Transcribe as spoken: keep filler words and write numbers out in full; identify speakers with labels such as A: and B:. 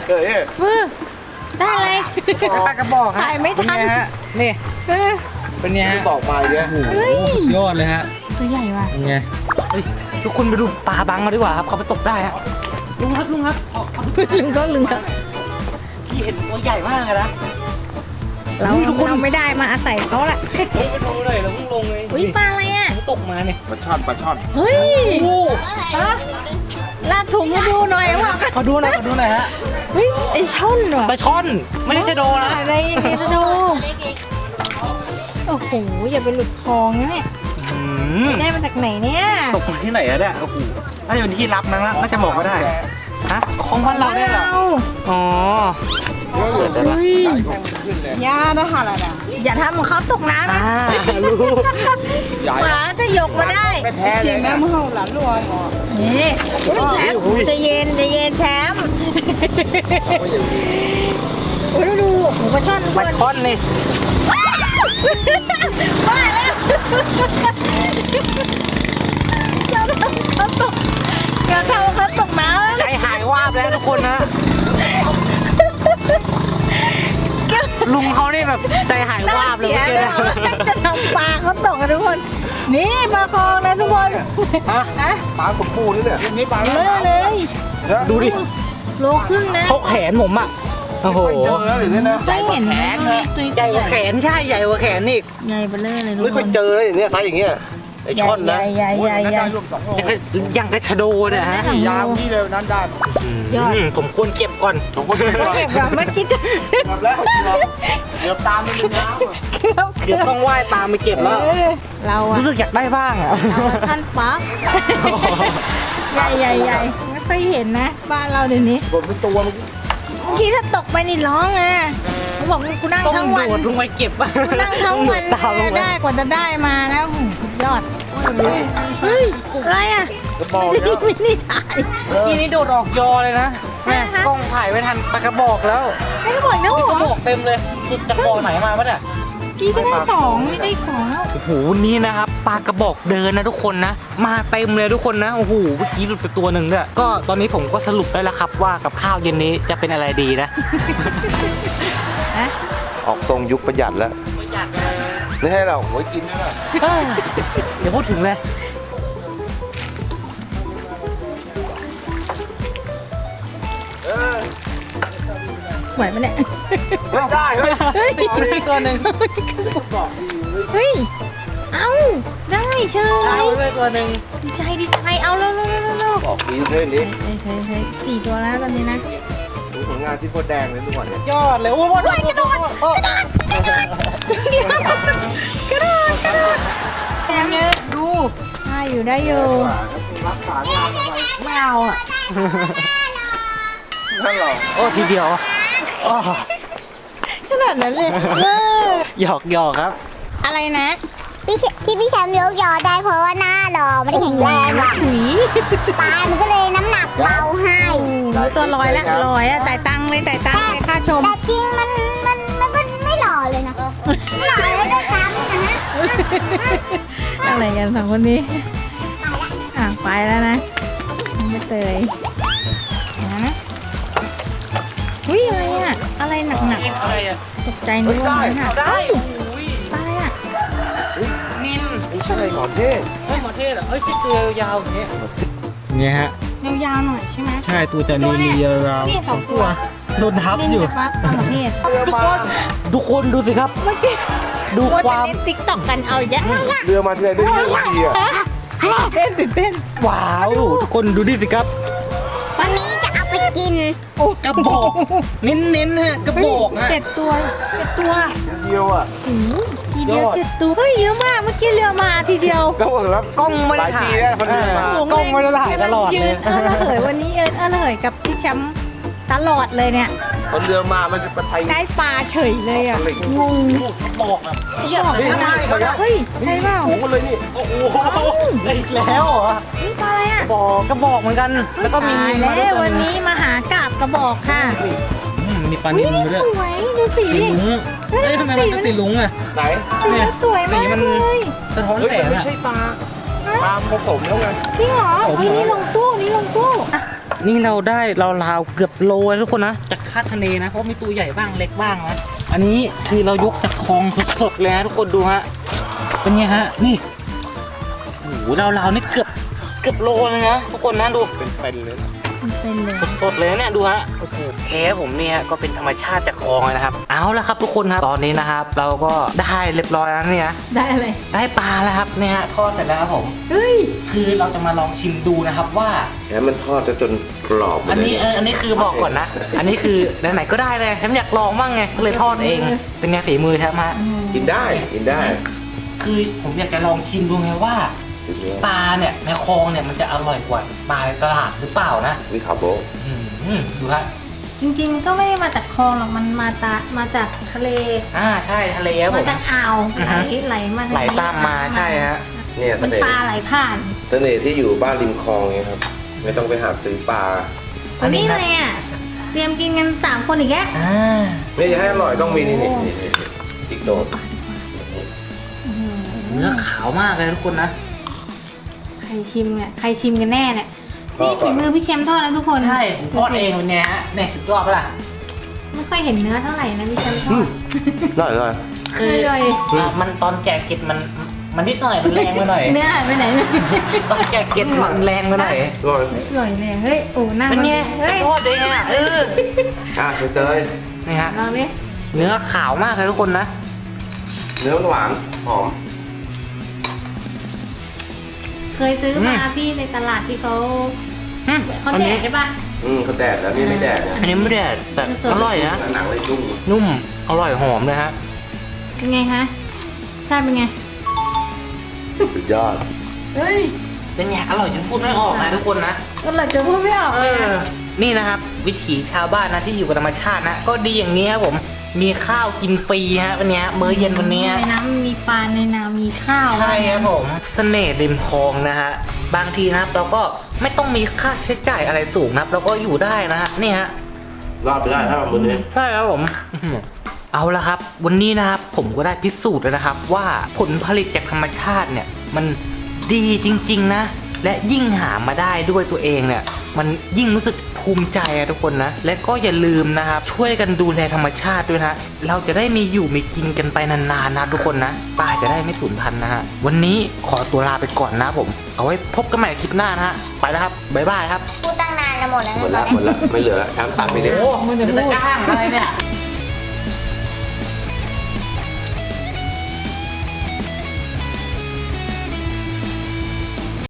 A: เฮ้ย
B: มือได้อะไร
C: ปลากระบอกฮะ
B: ถ่ายไม่ทัน
C: เป็นงฮะนี่เป็นไงฮะ
A: บอกมาเยอะ
C: โอ้โหสุดยอดเลยฮะ
B: ตัวใหญ่ว่ะ
C: เป็นไงเฮ้ยทุกคนไปดูปลาบังมาดีกว่าครับเขาไปตกได้ฮะลุงครับลุงครับเอาเอา
B: ลุงก็ลุงก็
C: พี่เห็นตัวใหญ่มากเลยนะ
B: เรา
C: ฮ้ยทุกคน
B: เราไม่ได้มาอาศัยเขาแหละ
C: เฮ้ยไปดูหน่อยเราเพิ่งลงเลย
B: อุ้ยปลาอะไรอ่ะ
C: เขาตกมาเนี่ย
A: ปลาช่อนปลาช่อน
B: เฮ้ย
C: โอ้
B: ฮะลากถุงมาดูหน่อยว่า
C: ขอดูหน่อยขอดูหน่อยฮะ
B: เฮ้ยไอช่อนว่ะ
C: ปลาช่อนไม่ใช่ชะโดนะ
B: อะไรเนี่ยจะดูโอ้โหอย่าไปหลุดคลองนะเนี่ย
C: อืม
B: ได้มาจากไหนเนี่ย
C: ตกมาที่ไหนอะเนี่ยโอ้โหน่าจะเป็นที่ลับนะน่าจะบอกก็ได้ฮะของบ้านเราได้เหรออ๋อ
B: เฮ้ย
D: ย่าได้หาอะไรนะ
B: อย่าทำของเขาตกน้ำ
C: อ่า
B: นะ
C: รู้
B: หมาจะยกมาได้
D: ชิมแม่มือหลานรัวหมอ
B: นี่แชมป์ใจะเย็นใจะเย็นแชมป์โอ้ยดูหมูปลาช่อน
C: ปลาช่อนนี่
B: บ้าแล้วอย่าทำเขาตกอย่าทำเขาตกน้ำ
C: ใจหายวาบแล้วทุกคนนะลุงเขานี่แบบใจหายวาบเลย
B: เสีย
C: เมื่อกี้
B: แล้วจะทำปลาเขาตกกันทุกคน นี่ปลาคองนะทุกคน
C: ฮะ
B: ฮะ
A: ปลาสมบูรณ์นี่เนี่ย
C: นี่ปลา
B: เลอะเลย
C: ดูดิ
B: โลครึ่งนะ
C: เขาแขนผมอ่ะโอ้โห
A: ไม่เจอแล้วหรือเนี่ยนะ
B: ไม่เห็นแขน
C: ใหญ่กว่าแขนใช่ใหญ่กว่าแขนอีก
B: ใหญ่เบลอเลยทุก
A: ไม่
B: ค
A: ค่อย
B: น
A: เจอเลยอย่างเนี้ยไซส์อย่างเงี้ยไอช่อนนะ
B: ใหญ่ใหญ่ใหญ่ใหญ่
C: ยังกระยังกระชะโดเนี่ยฮะ
B: ยาวนี่เลย ยอด
C: อืมผมควรเก็บก่อน
A: ผมก็เก็บก่อน
B: เก็บกับเมื่อกี้จะ
A: กลับแล้วเดี๋ยวตามมันเป็นน้ำ
B: เกือบ
C: เดี๋ยวต้องว่ายตามไปเก็บแล้ว
B: เออเราอะ
C: รู้สึกอยากได้บ้างอ่ะ
B: เราท่านปักใหญ่ใหญ่ใหญ่ไม่ค่อยเห็นนะ บ้านเราเดี๋ยวนี้
A: ผมเป็นตัวมัน
B: บางทีถ้าตกไปนี่ร้องนะเขาบอกกูนั่ง
C: ต้อง
B: ทั้งวัน
C: โดดลงไปเก็บ
B: กูนั่งทั้งวัน
C: ตามลงไป
B: ได้กว่าจะได้มานะโอ้โหสุดยอดเฮ้ยอะไรอ่ะ
A: กระบอก
B: นี่
A: เนี่ย
B: ไม่ได้ถ่าย
C: เมื่อกี้นี้โดดออกยอเลยนะแม่
B: นะคะ
C: กล้องถ่ายไม่ทันปลากระบอกแล้ว
B: ไอ้ก็บอกนะ
C: ก
B: หั
C: ระ
B: ว
C: บอกเต็มเลยสุดจากบ่อไหนมาปะเนี่ย
B: กี้ก็ได้สองนี่ได้สองแล้ว
C: โอ้โหนี่นะครับปลากระบอกเดินนะทุกคนนะ มาเต็มเลยทุกคนนะโอ้โหเมื่อกี้หลุดไปตัวหนึ่งด้วยก็ตอนนี้ผมก็สรุปได้แล้วครับว่ากับข้าวเย็นนี้จะเป็นอะไรดีนะ
B: นะ
A: ออกทรงยุคประหยัดแล้ว
C: ประหยัด
A: ไม่ให้เราไว้กินด้วยนะ
C: เอ้ยเดี๋ยวพูดถึงเลย
A: เออ
B: ไหวปะเนี่ย
A: ไม่ได้เฮ้ย
B: เฮ้ย
C: เอาได้ตัวหนึ่ง
B: เฮ้ย เอาได้เชิญ
C: เอาได้ตัวหนึ่ง
B: ดีใจดีใจเอาเร็วเร็วเร็วเร็ว
A: บอกดีเพื่อนดิ
B: เฮ้ยเฮ้ยเฮ้ยสี่ตัวแล้วตอนนี้นะ
A: ดูผลงานที่โคตรแดงเลยทุกวันเนี่ย
C: ยอดเลยโอ้โหกระโดดกระโดด
B: กระโดดกระโดดกระโดดแถมเนี่ยดูได้อยู่ได้อยู่
A: รักษางานอะไร
B: ไม่เอาอ่ะ
A: นั่นหรอ
C: โอ้ทีเดียวอ๋อ
B: ขนาดนั้นเลยเออ
C: หยอกหยอกครับ
B: อะไรนะ
E: พี่แชที่พี่แชมป์ยกยอได้เพราะว่าหน้าหล่อไม่ได้แข็งแรงหรอก
B: ถุย
E: ปลามันก็เลยน้ำหนักเบาให้
B: ตัวลอยแล้วลอยอ่ะจ่ายตังค์เลยจ่ายตังค์เลยค่าชม
E: แต่จริงมันมันมันก็ไม่หล่อเลยนะไม่หล่อเลยด้วยซ้ำนะฮะ
B: อะไรกันสองคนนี้ อ่ะไปแล้วนะไม่เตยนะอุ้ยอะไรอ่ะ อะไรหนักหนัก
C: อะไรอ่ะ
B: ๆตกใจนึกว่ามันหัก
C: ได้
B: เอ้ย
C: โอ้ย
B: ปลาอะไรอ่ะ
C: นิน
A: ไม่ใช่หมอนเทศ
C: เฮ้ยหมอเทศเหรอเอ้ยที่ตัวยาวๆอย่างเงี้ย
F: เนี่ยฮะ
B: ยาวๆหน่อยใช่ไหม
F: ใช่ตัวจะนีนียาว
B: นี่สองตัว
F: โดนทับ
B: เล่น
F: อยู่
B: กับปลาปลาหมอเทศ
A: เรือมา
C: ทุกคนดูสิครับ
B: เมื่อกี้
C: ดู
B: ว่า
C: ค
B: จะ
C: วาม
B: เล่นติ๊กต็อกกันเอาเยอะ
A: เรือมาทีไรได้เยอะดีอ่ะ
B: เต้นตื่นเต้น
C: ว้าวทุกคนดูดิสิครับ
E: วันนี้จะเอาไปกิน
C: กระบอกเน้นๆฮะกระบอกฮะ
B: เจ็ดตัวเจ็ดตัว
A: เดียวอ่ะ
B: ทีเดียวย
C: อด
B: เจ็ดตัวเฮ้ยเยอะมากเมื่อกี้เรือมาทีเดียว
A: ก็บอกแล้ว
C: กล้องไม่ได้ถ่าย
A: หลายทีแล้วคนเดินมา
C: เออกล้องไม่ได้ถ่ายตลอดเลย
B: เออระเหยวันนี้เออเออระเหยกับพี่แชมป์ตลอดเลยเนี่ย
A: คนเรือมามันจะไปไทย
B: ได้ปลาเฉยเลยอ่ะงง
C: กระบอกอ่ะเทียบ
A: นี่
C: ไม่ได้
A: เขาเนี่ย
B: เฮ้ยใช่เปล่า
A: โอ้โหเลยนี่
C: โอ้โหอีกแล้วเหรอ
B: นี่ปลาอะไรอ่ะ
C: บอกกระบอกเหมือนกัน แล้วก็มี
B: ตาย
C: มาด้
B: แล้ว
C: ยว
B: วันนี้มาหากาบกระบอกค่ะ
F: อืมมีปลา
B: อุ้
F: นิ
B: ย
F: ล
B: นี่
F: ด้วย
B: สวยดูสี
F: สี
B: ดิ
F: ลุงเอ้ยทำไมมันเป็นสีลุงอ่ะ
A: ไหน
B: สี
F: เนี่ย
B: สวย
F: สี
B: มาก
F: มัน
B: เลย
F: สะท้อน
A: เฮ้ย
F: แสง
A: ไม่
F: อ่ะ
A: ใช่ปลาปลาผสมแล้วไง
B: จริงเหรอ
F: ผม
B: เฮ้ย
F: เหรอ
B: นี่ลงตู้นี่ลงตู้อ่ะ
C: นี่เราได้เราราวๆเกือบโลเลยทุกคนนะจากคาดคะเนนะเพราะมีตัวใหญ่บ้างเล็กบ้างนะอันนี้คือเรายกจากคลองสดๆเลยนะทุกคนดูฮะเป็นไงฮะนี่โอ้โหเราๆนี่เกือบเกือบโลเลยนะทุกคนนะดู
A: เป็นเป็นเลยนะ
B: มันเป็นเลย
C: สดๆเลยเนี่ยดูฮะโอ้โหแค่ผมเนี่ยก็เป็นธรรมชาติจากคลองเลยนะครับเอาละครับทุกคนครับตอนนี้นะครับ เราก็ได้เรียบร้อยแล้วเนี่ย
B: ได้อะไร
C: ได้ปลาแล้วครับเนี่ยฮะทอดเสร็จแล้วครับผม
B: เฮ้ย
C: คือเราจะมาลองชิมดูนะครับว่า
A: แล้วมันทอดจะจนกรอบหมด
C: อัน
A: เลย
C: นี้เอออันนี้คือบอกก่อนนะ อันนี้คือไหนๆก็ได้เลยแถมอยากลองบ้างไงก็เลยทอดเองเป็นไงฝีมือแทบฮะ
A: กินได้กินได้
C: คือผมอยากจะลองชิมดูไงว่าปลาเนี่ยในคลองเนี่ยมันจะอร่อยกว่าปลาในตลาดหรือเปล่านะ
A: วิคาโบ
C: อืมดูฮะ
B: จริงๆก็ไม่ได้มาจากคลองหรอกมันมาตามาจากทะเล
C: อ่าใช่ทะเลครับผ
B: มาม จากอ่าว
C: อือ
B: ไหล
C: ฮะ
B: ไหลมา
C: ไหลตามมาใช่ฮะ
A: เนี่ยเส
B: มัน
A: น่ห์
B: ปลาไหลผ่าน
A: เสน่ห์ที่อยู่บ้านริมคลองไงครับ ไม่ต้องไปหาซื้อปลา
B: วันนี้เลยอ่ะเตรียมกินกันสามคนอีกแล้ว
C: อ่า
A: ไม่อยากให้อร่อยต้องมีนี่นี่นี่นี่อีกโดด
C: เนื้อขาวมากเลยทุกคนนะ
B: ใครชิมเนี่ยใครชิมกันแน่เนี่ย
A: ก็
B: นี่
A: ก่
B: ฝี
A: อน
B: มือพี่แชมป์ทอดนะทุกคน
C: ใช่ผมทอดเองเนี่ยฮะเนี่ยสุดยอดปะล่ะ
B: ไม่ค่อยเห็นเนื้อเท่าไหร่นะพี่แชมป์ทอด
A: อร่อยอร่อย
C: คือ
B: อร่อย
C: อ่ะมันตอนแจกเก็ดมันมันนิดหน่อยมันแรงไปหน่อย
B: เนื้อหายไปไหนเนี่ย
C: ตอนแจกเก็ดมันแรงไปหน่อย
A: อร่อย
B: อร่อยเลยเฮ้ยโอ้หน้า
C: เป็นไง
B: เฮ้ย
C: ทอดเองอ่ะเออ
A: อ่ะไปเตย
C: นี่ฮะ
B: ลองดิ
C: เนื้อขาวมากเลยทุกคนนะ
A: เนื้อหวานหอม
B: เคยซื้อมาพี่ในตลาดที่เขา
C: อืม
B: เขา
C: อัน
B: แด
C: นี้
B: กใช่ปะ
A: อืมเขาแดดแล้วนี่ไม่แดดนะ
C: อันนี้ไม่ได้แต่อร่อยนะ
A: หนังเลยนุ่ม
C: นุ่มอร่อยหอมเลยฮะ
B: เป็นไงคะใช่เป็นไง
A: สุดยอด
B: เฮ้ย
C: เป็นไงอร่อยจนพูดไม่ออกนะทุกคนนะ
B: ก็เลยจะพูดไม่ออก
C: เอ
B: เลย
C: อ
B: อะ
C: นี่นะครับ วิถีชาวบ้านนะที่อยู่กับธรรมชาตินะ ก็ดีอย่างนี้ครับผม มีข้าวกินฟรีฮะวันนี้มื้อเย็นวันนี้
B: ในน้ำมีปลาในนามีข้าว
C: ใช่ครับผมเสน่ห์ริมคลองนะฮะบางทีนะครับเราก็ไม่ต้องมีค่าใช้จ่ายอะไรสูงนะครับเราก็อยู่ได้นะฮะนี่ฮะ
A: รอดไปได้ถ้ามือนี้
C: ใช่ครับผมอื้อหือเอาละครับ วันนี้นะครับผมก็ได้พิสูจน์แล้วนะครับ ว่าผลผลิตจากธรรมชาติเนี่ยมันดีจริงๆนะ และยิ่งหามาได้ด้วยตัวเองเนี่ยมันยิ่งรู้สึกภูมิใจอะทุกคนนะ และก็อย่าลืมนะครับช่วยกันดูแลธรรมชาติด้วยนะเราจะได้มีอยู่มีกินกันไปนานๆนะทุกคนนะป่าจะได้ไม่สูญพันธุ์นะฮะวันนี้ขอตัวลาไปก่อนนะผมเอาไว้พบกันใหม่คลิปหน้านะฮะไปแล้วครับบ๊ายบายครับ
E: พูดตั้งนานแล้วหมดแล้ว
A: หมดละหมดละไม่เหลือแล้วช้างตัดไปเด็ก
C: โอ้มันจะจ้างอะไรเนี่ย